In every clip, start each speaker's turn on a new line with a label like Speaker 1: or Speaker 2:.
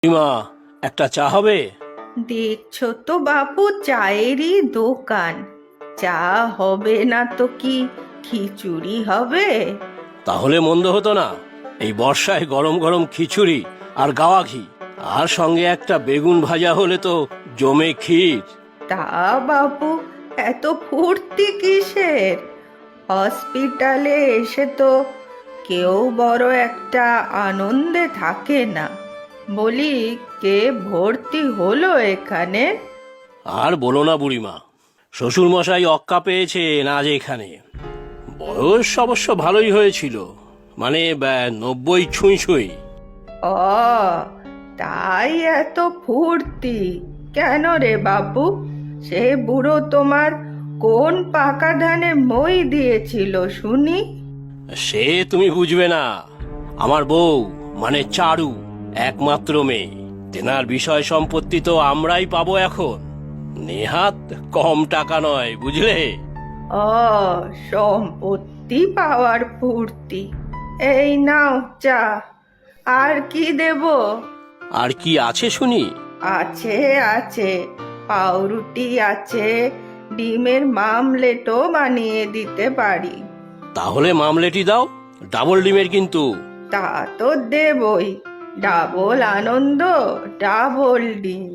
Speaker 1: মা, একটা চা হবে?
Speaker 2: দেখছো তো বাপু, চায়েরই দোকান। চা হবে না তো কি খিচুড়ি হবে?
Speaker 1: তাহলে মন্দ হতো না। এই বর্ষায় গরম গরম খিচুড়ি আর গাওয়া ঘি, আর সঙ্গে একটা বেগুন ভাজা হলে তো জমে ক্ষীর।
Speaker 2: তা বাপু, এত ফুর্তি কিসের? হসপিটালে এসে তো কেউ বড় একটা আনন্দে থাকে না। বলি, কে ভর্তি হলো এখানে?
Speaker 1: আর বলো না বুড়িমা, শ্বশুর মশাই অক্কা পেয়েছেন আজ এখানে। বয়স অবশ্য ভালোই হয়েছিল, মানে 90 ছুঁই ছুঁই।
Speaker 2: ও, তাই এত ফুর্তি কেন রে বাপু? সে বুড়ো তোমার কোন পাকা ধানে মই দিয়েছিল শুনি?
Speaker 1: সে তুমি বুঝবে না। আমার বউ, মানে চারু, একমাত্র মেয়ে। তেনার বিষয় সম্পত্তি তো আমরাই পাবো এখন। নেহাত কম টাকা নয়, বুঝলে?
Speaker 2: ও, সম্পত্তি পাওয়ার ফুর্তি। এই নাও চা। আর কি দেব?
Speaker 1: আর কি আছে শুনি?
Speaker 2: আছে আছে, পাউরুটি আছে, ডিমের মামলেটও বানিয়ে দিতে পারি।
Speaker 1: তাহলে মামলেটি দাও, ডাবল ডিমের কিন্তু।
Speaker 2: তা তো দেবই, ডাবল আনন্দ, ডাবল ডিম।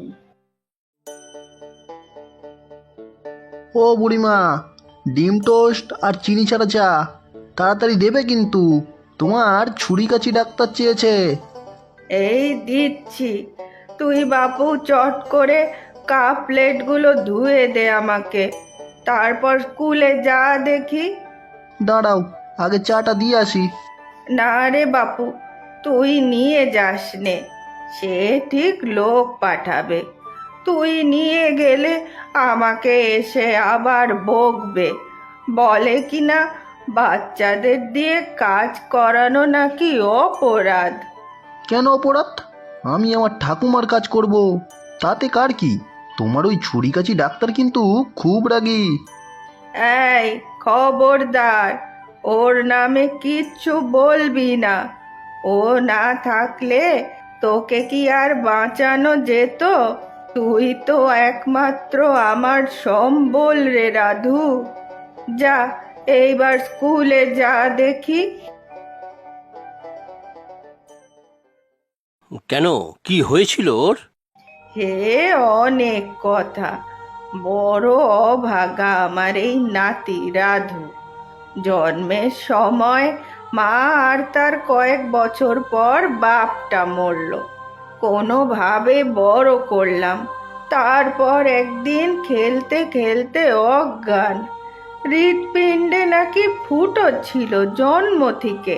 Speaker 3: ও বুড়িমা, ডিম টোস্ট আর চিনি ছাড়া চা তাড়াতাড়ি দেবে কিন্তু। তোমার ছুরি কাচি ডাক্তার চেয়েছে।
Speaker 2: এই দিচ্ছি। তুই বাপু চট করে কাপ প্লেটগুলো ধুয়ে দে আমাকে, তারপর স্কুলে যা দেখি।
Speaker 3: দাঁড়াও, আগে চাটা দিয়ে আসি।
Speaker 2: না রে বাপু, তুই নিয়ে যাস নে। সে ঠিক লোক পাঠাবে। তুই নিয়ে গেলে আমাকে এসে আবার বকবে। বলে কিনা বাচ্চাদের দিয়ে কাজ করানো নাকি অপরাধ।
Speaker 3: কেন অপরাধ? আমি আমার ঠাকুমার কাজ করব, তাতে কার কি? তোমার ওই ছুরি কাচি ডাক্তার কিন্তু খুব রাগী।
Speaker 2: এই, খবরদার, ওর নামে কিচ্ছু বলবি না। ও না থাকলে তোকে কি আর বাঁচানো যেত? তুই তো একমাত্র আমার সম্বল রে রাধু। যা, এইবার স্কুলে যা দেখি।
Speaker 1: কেন, কি হয়েছিল ওর?
Speaker 2: হে, অনেক কথা। বড় অভাগা আমার এই নাতি রাধু। জন্মের সময় মা আর তার কয়েক বছর পর বাপটা মরল। কোনোভাবে বড় করলাম। তারপর একদিন খেলতে খেলতে অজ্ঞান। হৃৎপিণ্ডে নাকি ফুটো ছিল জন্ম থেকে।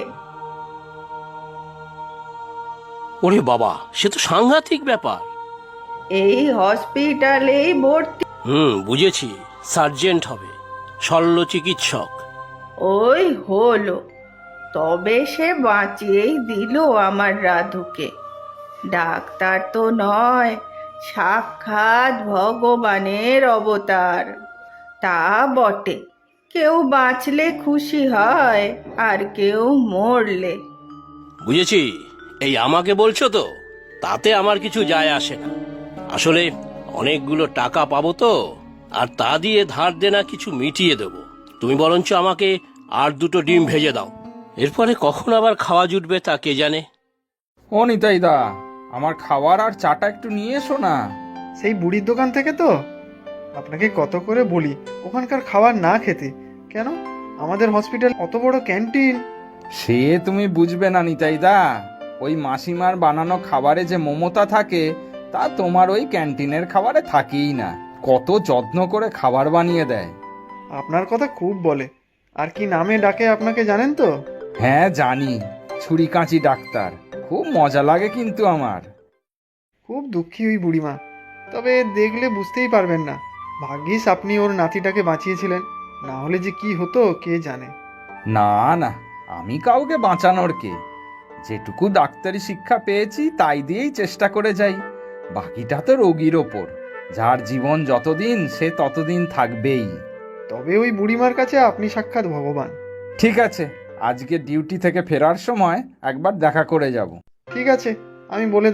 Speaker 1: ওরে বাবা, সে তো সাংঘাতিক ব্যাপার।
Speaker 2: এই হসপিটালেই ভর্তি।
Speaker 1: বুঝেছি, সার্জেন্ট হবে, শল্য চিকিৎসক।
Speaker 2: ওই হলো। তবে সে বাঁচিয়েই দিল আমার রাধুকে। ডাক্তার তো নয়, সাক্ষাৎ ভগবানের অবতার। তা বটে, কেউ বাঁচলে খুশি হয়, আর কেউ মরলে।
Speaker 1: বুঝেছি, এই আমাকে বলছো তো? তাতে আমার কিছু যায় আসে না। আসলে অনেকগুলো টাকা পাবো তো, আর তা দিয়ে ধার দেনা কিছু মিটিয়ে দেবো। তুমি বরঞ্চ আমাকে আর দুটো ডিম ভেজে দাও। এরপরে কখন আবার খাওয়া জুটবে তা কে জানে।
Speaker 4: ও নিতাই দা, আমার খাবার আর চাটা একটু নিয়ে এসো না।
Speaker 5: সেই বুড়ির দোকান থেকে তো? আপনাকে কত করে বলি ওখানকার খাবার না খেতে। কেন, আমাদের হসপিটাল অত বড় ক্যান্টিন।
Speaker 4: সে তুমি বুঝবে না নিতাই দা, ওই মাসিমার বানানো খাবারে যে মমতা থাকে তা তোমার ওই ক্যান্টিনের খাবারে থাকেই না। কত যত্ন করে খাবার বানিয়ে দেয়।
Speaker 5: আপনার কথা খুব বলে। আর কি নামে ডাকে আপনাকে জানেন তো?
Speaker 4: হ্যাঁ জানি, ছুরি কাঁচি ডাক্তার। খুব মজা লাগে কিন্তু আমার।
Speaker 5: খুব দুঃখী ওই বুড়িমা। তবে দেখলে বুঝতেই পারবেন না। ভাগ্যিস আপনি ওর নাতিটাকে বাঁচিয়েছিলেন, না হলে যে কি হতো কে জানে।
Speaker 4: না না, আমি কাউকে বাঁচানোর কে? যেটুকু ডাক্তারি শিক্ষা পেয়েছি তাই দিয়েই চেষ্টা করে যাই। বাকিটা তো রোগীর ওপর। যার জীবন যতদিন সে ততদিন থাকবেই।
Speaker 5: তবে ওই বুড়িমার কাছে আপনি সাক্ষাৎ ভগবান।
Speaker 4: ঠিক আছে, আজকে ডিউটি থেকে ফেরার সময় একবার দেখা করে যাব।
Speaker 5: ঠিক আছে, আমি বলে দেবো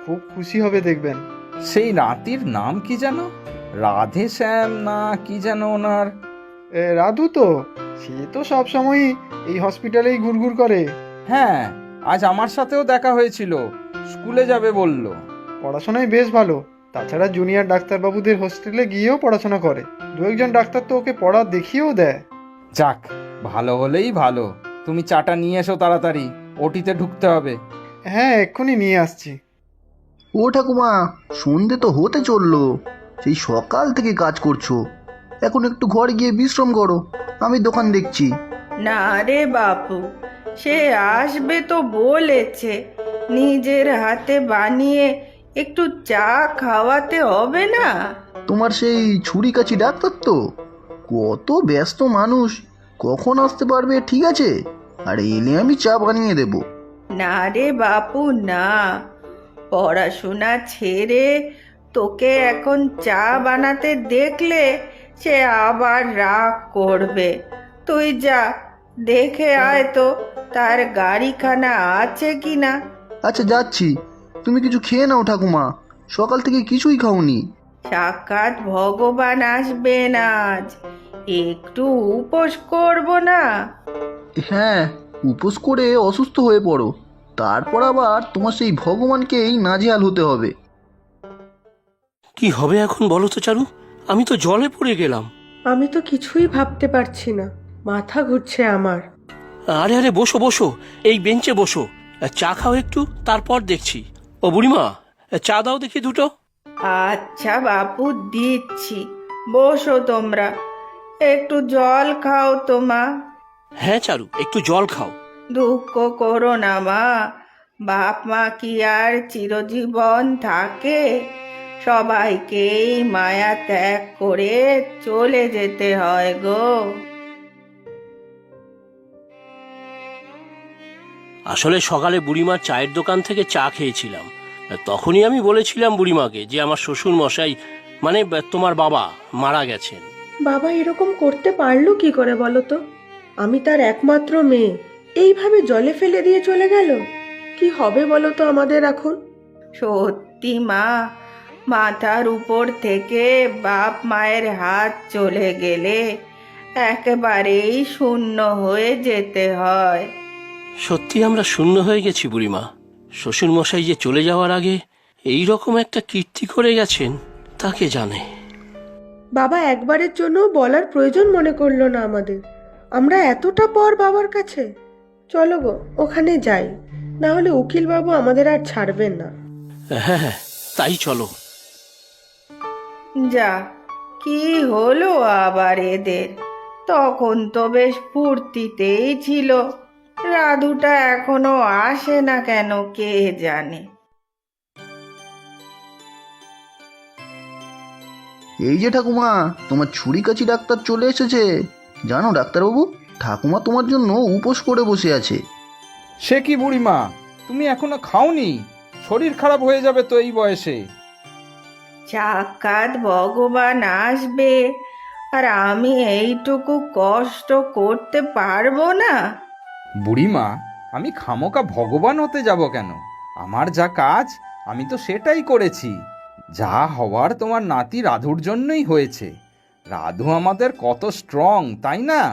Speaker 5: খুব খুশি হবে দেখবেন।
Speaker 4: সেই নাতির নাম কি যেন? রাধে শ্যাম না কি যেন ওনার?
Speaker 5: রাধু তো, সে তো সব সময়ই এই হসপিটালেই ঘুরঘুর করে।
Speaker 4: হ্যাঁ, আজ আমার সাথেও দেখা হয়েছিল, স্কুলে যাবে বলল।
Speaker 5: পড়াশোনায় বেশ ভালো, তাছাড়া জুনিয়র ডাক্তারবাবুদের হোস্টেলে গিয়েও পড়াশোনা করে। দু একজন ডাক্তার তো ওকে পড়া দেখিয়েও দেয়।
Speaker 4: যাক, ভালো হলেই ভালো। তুমি চাটা নিয়ে এসো তাড়াতাড়ি, ওটিতে ঢুকতে হবে।
Speaker 5: হ্যাঁ, এক্ষুনি নিয়ে আসছি।
Speaker 3: ও ঠাকুমা, সন্ধে তো হতে চললো, সেই সকাল থেকে কাজ করছো, এখন একটু ঘরে গিয়ে বিশ্রাম করো, আমি দোকান দেখছি।
Speaker 2: না রে বাপু, সে আসবে তো বলেছে, নিজের হাতে বানিয়ে একটু চা খাওয়াতে হবে না?
Speaker 3: তোমার সেই ছুরি কাচি ডাক্তার তো, কত ব্যস্ত মানুষ, কখন আসতে পারবে ঠিক আছে, আর এলে আমি চা বানিয়ে দেবো।
Speaker 2: না রে বাপু না, পড়াশোনা ছেড়ে তোকে এখন চা বানাতে দেখলে সে আবার রাগ করবে। তুই যা, দেখে আয় তো তার গাড়িখানা আছে কিনা।
Speaker 3: আচ্ছা যাচ্ছি, তুমি কিছু খেয়ে নাও ঠাকুমা, সকাল থেকে কিছুই খাওনি।
Speaker 2: সাক্ষাৎ ভগবান আসবেন আজ, একটু উপোস করব না?
Speaker 3: হ্যাঁ, উপোস করে অসুস্থ হয়ে পড়ো, তারপর আবার তোমার সেই ভগবানকেই নাজেহাল হতে হবে।
Speaker 1: কি হবে এখন বলো তো চারু? আমি তো জলে পড়ে গেলাম।
Speaker 6: আমি তো কিছুই ভাবতে পারছি না, মাথা ঘুরছে আমার।
Speaker 1: আরে আরে, বসো বসো, এই বেঞ্চে বসো, চা খাও একটু, তারপর দেখছি। ও বুড়িমা, চা দাও দেখি দুটো।
Speaker 2: আচ্ছা বাপু, দিচ্ছি, বসো তোমরা, একটু জল খাও তো মা।
Speaker 1: হ্যাঁ চারু, একটু জল খাও।
Speaker 2: দুঃখ করো না মা, বাপ মা কি আর চিরজীবন থাকে? সবাইকেই মায়া ত্যাগ করে চলে যেতে হয় গো।
Speaker 1: আসলে সকালে বুড়িমার চায়ের দোকান থেকে চা খেয়েছিলাম, তখনই আমি বলেছিলাম বুড়িমাকে যে আমার শ্বশুর মশাই, মানে তোমার বাবা, মারা গেছেন।
Speaker 6: বাবা এরকম করতে পারলো কি করে বলো তো? আমি তার একমাত্র মেয়ে, এইভাবে জলে ফেলে দিয়ে চলে গেল। কি হবে বলো তো আমাদের এখন?
Speaker 2: সত্যি মা, মাথার উপর থেকে বাপ মায়ের হাত চলে গেলে একেবারেই শূন্য হয়ে যেতে হয়।
Speaker 1: সত্যি আমরা শূন্য হয়ে গেছি বুড়িমা। শ্বশুর মশাই যে চলে যাওয়ার আগে এই রকম একটা কীর্তি করে গেছেন, তাকে জানে।
Speaker 6: বাবা একবারের জন্য বলার প্রয়োজন মনে করলো না আমাদের। আমরা এতটা পর বাবার কাছে। চলো গো, ওখানে যাই, না হলে উকিল বাবু আমাদের আর ছাড়বেন না।
Speaker 1: হ্যাঁ হ্যাঁ, তাই চলো।
Speaker 2: যা, কি হলো আবার এদের? তখন তো বেশ ফুর্তিতেই ছিল, রাধুটা এখনো আসে না কেন কে জানে।
Speaker 3: এই যে ঠাকুমা, তোমার ছুরি কাচি ডাক্তার চলে এসেছে। জানো ডাক্তারবাবু, ঠাকুমা তোমার জন্য উপোস করে বসে আছে।
Speaker 4: সে কি বুড়িমা, তুমি এখনো খাওনি? শরীর খারাপ হয়ে যাবে তো এই বয়সে।
Speaker 2: সাক্ষাৎ ভগবান আসবে, আর আমি এইটুকু কষ্ট করতে পারবো না?
Speaker 4: বুড়িমা, আমি খামোকা ভগবান হতে যাব কেন? আমার যা কাজ আমি তো সেটাই করেছি। যা হওয়ার তোমার নাতি রাধুর জন্যই হয়েছে। রাধু আমাদের কত স্ট্রং, তাই না?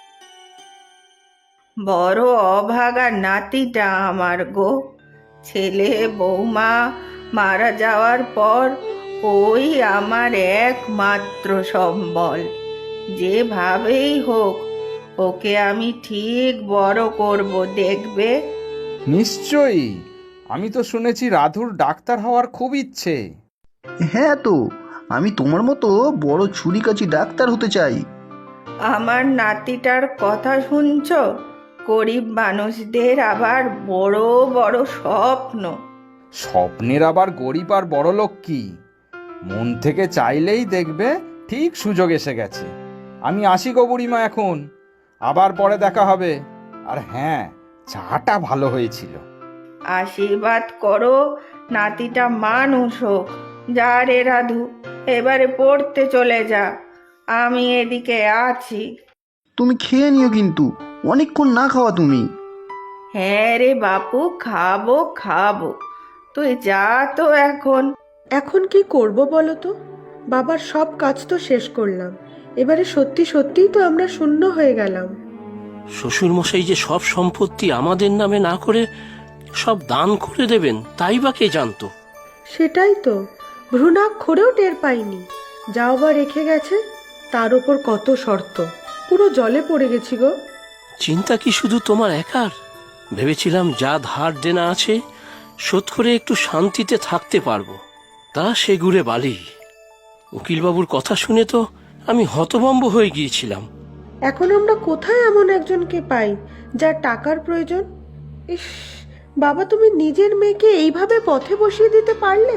Speaker 2: বড় অভাগা নাতিটা আমার গো। ছেলে বৌমা মারা যাওয়ার পর ওই আমার একমাত্র সম্বল। যেভাবেই হোক ওকে আমি ঠিক বড় করব, দেখবে।
Speaker 4: নিশ্চয়ই। আমি তো শুনেছি রাধুর ডাক্তার হওয়ার খুব ইচ্ছে।
Speaker 3: হ্যাঁ তো, আমি তোমার মতো বড় ছুরি কাচি ডাক্তার হতে চাই।
Speaker 2: আমার নাতিটার কথা শুনছো? গরিব মানুষদের আবার বড় বড় স্বপ্ন।
Speaker 4: স্বপ্নের আবার গরিব আর বড়লোক কি? মন থেকে চাইলেই দেখবে ঠিক সুযোগ এসে গেছে। আমি আসি গো বুড়িমা এখন, আবার পরে দেখা হবে। আর হ্যাঁ, চাটা ভালো হয়েছিল।
Speaker 2: আশীর্বাদ করো নাতিটা মানুষ হোক। যা রে রাধু, এবারে পড়তে চলে যা, আমি এদিকে আছি।
Speaker 3: তুমি খেয়ে নিও কিন্তু, অনেকক্ষণ না খাওয়া তুমি।
Speaker 2: হ্যাঁ রে বাপু, খাবো খাবো, তুই যা তো এখন।
Speaker 6: এখন কি করব বলো তো? বাবার সব কাজ তো শেষ করলাম, এবারে সত্যি সত্যিই তো আমরা শূন্য হয়ে গেলাম।
Speaker 1: শ্বশুরমশাই যে সব সম্পত্তি আমাদের নামে না করে সব দান করে দেবেন তাই বা কে জানতো?
Speaker 6: সেটাই তো, ভ্রূণাক্ষরেও টের পাইনি। যাও বা রেখে গেছে, তার ওপর কত শর্ত, পুরো জলে পড়ে গেছি গো।
Speaker 1: চিন্তা কি শুধু তোমার একার? ভেবেছিলাম যা ধার দেনা আছে শোধ করে একটু শান্তিতে থাকতে পারবো, তা সে গুড়ে বালি। উকিলবাবুর কথা শুনে তো আমি হতভম্ব হয়ে গিয়েছিলাম।
Speaker 6: এখন আমরা কোথায় এমন একজনকে পাই যার টাকার প্রয়োজন? ইস, বাবা তুমি নিজের মেয়েকে এইভাবে পথে বসিয়ে দিতে পারলে?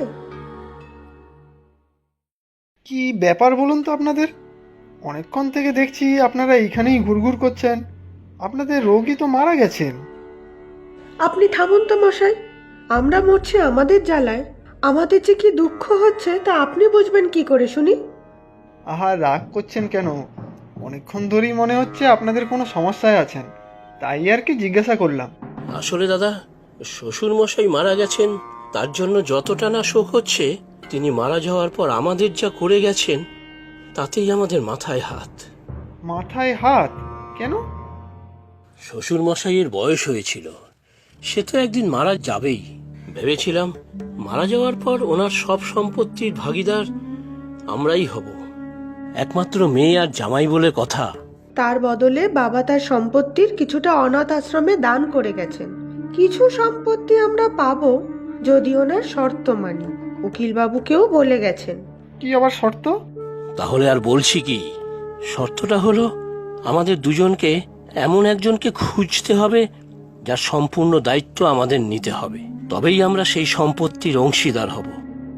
Speaker 5: কি ব্যাপার বলুন তো আপনাদের? অনেকক্ষণ থেকে দেখছি আপনারা এইখানেই ঘুরঘুর করছেন। আপনাদের রোগী তো মারা গেছেন।
Speaker 6: আপনি থামুন তো মশাই, আমরা মরছি আমাদের জ্বালায়, আমাদের যে কি দুঃখ হচ্ছে তা আপনি বুঝবেন কি করে শুনি?
Speaker 5: আহা, রাগ করছেন কেন? অনেকক্ষণ ধরেই মনে হচ্ছে আপনাদের কোনো সমস্যায় আছেন, তাই আর কি জিজ্ঞাসা করলাম।
Speaker 1: আসলে দাদা, শ্বশুরমশাই মারা গেছেন, তার জন্য যতটা না শোক হচ্ছে, তিনি মারা যাওয়ার পর আমাদের যা করে গেছেন তাতেই আমাদের মাথায় হাত।
Speaker 5: মাথায় হাত? কেন?
Speaker 1: শ্বশুরমশাইয়ের বয়স হয়েছিল, সে তো একদিন মারা যাবেই। ভেবেছিলাম মারা যাওয়ার পর ওনার সব সম্পত্তির ভাগীদার আমরাই হব, একমাত্র মেয়ে আর জামাই বলে কথা।
Speaker 6: তার বদলে বাবা তার সম্পত্তির কিছুটা অনাথ আশ্রমে দান করে গেছেন। কিছু সম্পত্তি আমরা পাবো যদি ওনার শর্ত মানি, উকিলবাবুকেও বলে গেছেন।
Speaker 5: কি আবার শর্ত?
Speaker 1: তাহলে আর বলছি কি, শর্তটা হলো আমাদের দুজনকে এমন একজনকে খুঁজতে হবে যার সম্পূর্ণ দায়িত্ব আমাদের নিতে হবে, তবেই আমরা সেই সম্পত্তির অংশীদার হব।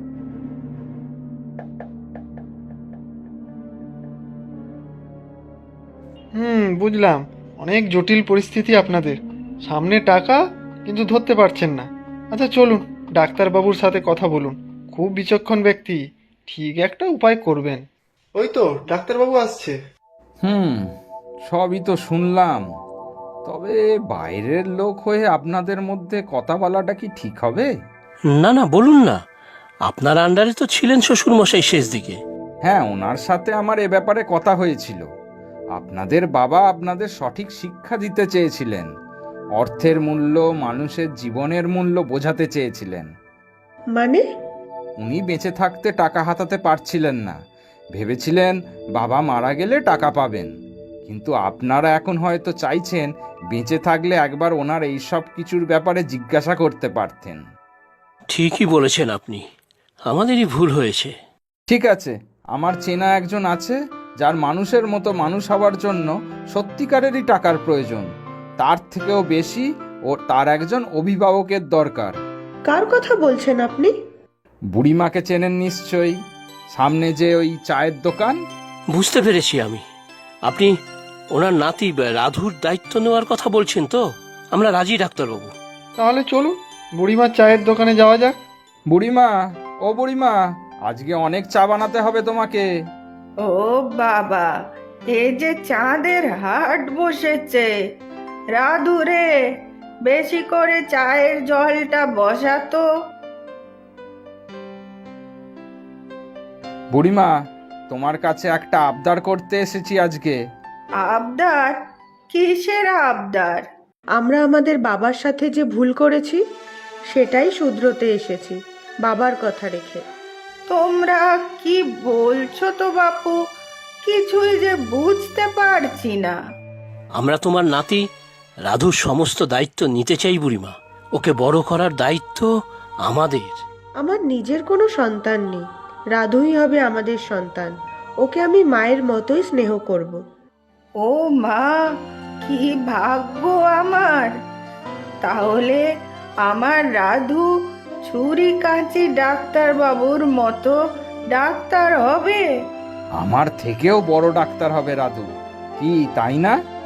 Speaker 5: বুঝলাম। অনেক জটিল পরিস্থিতি আপনাদের সামনে, টাকা কিন্তু ধরতে পারছেন না। আচ্ছা চলুন, ডাক্তারবাবুর সাথে কথা বলুন। খুব বিচক্ষণ ব্যক্তি, ঠিক একটা উপায় করবেন। ওই তো ডাক্তারবাবু আসছে।
Speaker 4: সবই তো শুনলাম, তবে বাইরের লোক হয়ে আপনাদের মধ্যে কথা বলাটা কি ঠিক হবে?
Speaker 1: না না, বলুন না, আপনার আন্ডারে তো ছিলেন শ্বশুরমশাই শেষ দিকে।
Speaker 4: হ্যাঁ, ওনার সাথে আমার এ ব্যাপারে কথা হয়েছিল। আপনাদের বাবা আপনাদের সঠিক শিক্ষা দিতে চেয়েছিলেন, অর্থের মূল্য, মানুষের জীবনের মূল্য বোঝাতে চেয়েছিলেন।
Speaker 6: মানে?
Speaker 4: উনি বেঁচে থাকতে টাকা হাতাতে পারছিলেন না, ভেবেছিলেন বাবা মারা গেলে টাকা পাবেন। কিন্তু আপনারা এখন হয়তো চাইছেন বেঁচে থাকলে একবার ওনার এই সব কিছুর ব্যাপারে জিজ্ঞাসা করতে পারতেন।
Speaker 1: ঠিকই বলেছেন আপনি, আমাদেরই ভুল হয়েছে।
Speaker 4: ঠিক আছে, আমার চেনা একজন আছে যার মানুষের মতো মানুষ হওয়ার জন্য সত্যিকারেরই টাকার প্রয়োজন। তার থেকেও বেশি ও তার একজন অভিভাবকের দরকার।
Speaker 6: কার কথা বলছেন আপনি?
Speaker 4: বুড়িমাকে চেনেন নিশ্চয়ই, সামনে যে ওই চায়ের দোকান।
Speaker 1: বুঝতে পেরেছি আমি, আপনি ওনার নাতি রাধুর দায়িত্ব নেওয়ার কথা বলছেন তো? আমরা রাজি ডাক্তারবাবু।
Speaker 5: তাহলে চলুন বুড়িমার চায়ের দোকানে যাওয়া যাক।
Speaker 4: বুড়িমা, ও বুড়িমা, আজকে অনেক চা বানাতে হবে তোমাকে।
Speaker 2: ও বাবা, এ যে চাঁদের হাট বসেছে। রাধু রে, বেশি করে চায়ের জলটা বসাতো।
Speaker 4: বুড়িমা, তোমার কাছে একটা আবদার করতে এসেছি আজকে।
Speaker 2: আবদার? কিসের আবদার?
Speaker 6: আমরা আমাদের বাবার সাথে যে ভুল করেছি সেটাই শুধরোতে এসেছি, বাবার কথা রেখে।
Speaker 2: তোমরা কি বলছো তো বাপু? কিছুই যে বুঝতে পারছি না।
Speaker 1: আমরা তোমার নাতি রাধুর সমস্ত দায়িত্ব নিতে চাই বুড়িমা, ওকে বড় করার দায়িত্ব আমাদের।
Speaker 6: আমার নিজের কোনো সন্তান নেই, রাধুই হবে আমাদের সন্তান। ওকে আমি মায়ের মতোই স্নেহ করব।
Speaker 2: ও মা, কি ভাগ্য আমার! তাহলে আমার রাধু ছুরি কাঁচি ডাক্তার বাবুর মতো ডাক্তার হবে।
Speaker 4: আমার থেকেও বড় ডাক্তার হবে রাধু, কি তাই না?